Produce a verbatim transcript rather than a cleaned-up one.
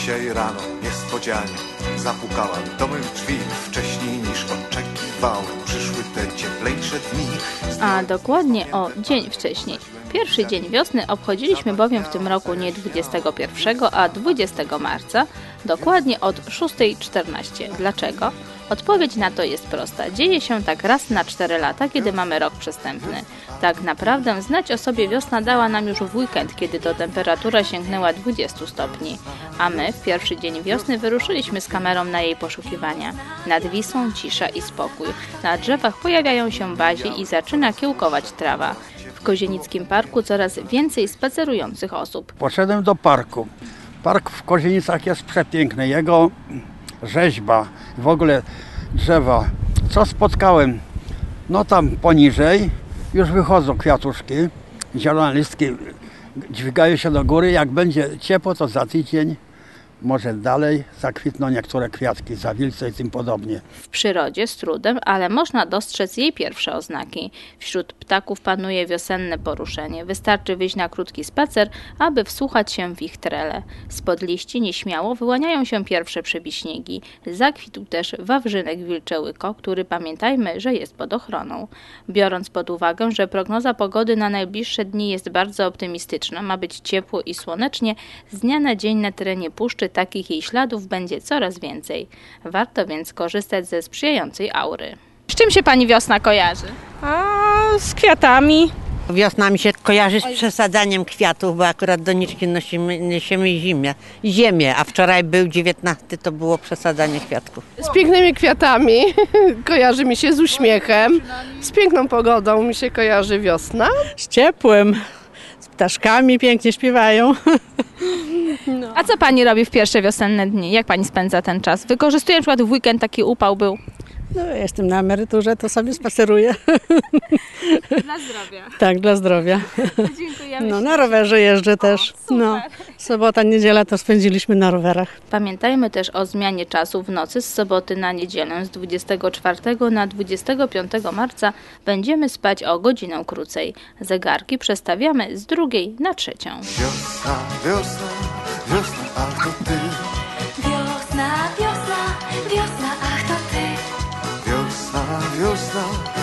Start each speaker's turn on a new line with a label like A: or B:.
A: Dzisiaj rano niespodzianie zapukałem do mych drzwi. Wcześniej niż oczekiwałem przyszły te cieplejsze dni.
B: A dokładnie o dzień wcześniej. Pierwszy dzień wiosny obchodziliśmy bowiem w tym roku nie dwudziestego pierwszego, a dwudziestego marca, dokładnie od szósta czternaście. Dlaczego? Odpowiedź na to jest prosta. Dzieje się tak raz na cztery lata, kiedy mamy rok przestępny. Tak naprawdę znać o sobie wiosna dała nam już w weekend, kiedy to temperatura sięgnęła dwudziestu stopni. A my w pierwszy dzień wiosny wyruszyliśmy z kamerą na jej poszukiwania. Nad Wisłą cisza i spokój. Na drzewach pojawiają się bazie i zaczyna kiełkować trawa. W Kozienickim Parku coraz więcej spacerujących osób.
C: Poszedłem do parku. Park w Kozienicach jest przepiękny. Jego rzeźba, w ogóle drzewa. Co spotkałem? No tam poniżej już wychodzą kwiatuszki, zielone listki dźwigają się do góry. Jak będzie ciepło, to za tydzień może dalej zakwitną niektóre kwiatki, zawilce i tym podobnie.
B: W przyrodzie z trudem, ale można dostrzec jej pierwsze oznaki. Wśród ptaków panuje wiosenne poruszenie. Wystarczy wyjść na krótki spacer, aby wsłuchać się w ich trele. Spod liści nieśmiało wyłaniają się pierwsze przebiśniegi. Zakwitł też wawrzynek wilczełyko, który pamiętajmy, że jest pod ochroną. Biorąc pod uwagę, że prognoza pogody na najbliższe dni jest bardzo optymistyczna, ma być ciepło i słonecznie, z dnia na dzień na terenie puszczy takich jej śladów będzie coraz więcej. Warto więc korzystać ze sprzyjającej aury. Z czym się pani wiosna kojarzy?
D: A z kwiatami.
E: Wiosna mi się kojarzy z przesadzaniem kwiatów, bo akurat doniczki nosimy, niesiemy zimę, ziemię, a wczoraj był dziewiętnasty, to było przesadzanie kwiatków.
D: Z pięknymi kwiatami, kojarzy mi się z uśmiechem, z piękną pogodą mi się kojarzy wiosna.
F: Z ciepłem, z ptaszkami pięknie śpiewają.
B: No. A co pani robi w pierwsze wiosenne dni? Jak pani spędza ten czas? Wykorzystuje na przykład w weekend, taki upał był?
F: No, jestem na emeryturze, to sobie spaceruję.
B: Dla zdrowia.
F: Tak, dla zdrowia.
B: Dziękujemy.
F: No, na rowerze jeżdżę też.
B: O,
F: no, sobota, niedziela to spędziliśmy na rowerach.
B: Pamiętajmy też o zmianie czasu w nocy z soboty na niedzielę. Z dwudziestego czwartego na dwudziestego piątego marca będziemy spać o godzinę krócej. Zegarki przestawiamy z drugiej na trzecią.
A: Wiosna, wiosna, wiosna, ach to ty.
G: Wiosna, wiosna, wiosna, ach to ty.
A: Wiosna, wiosna,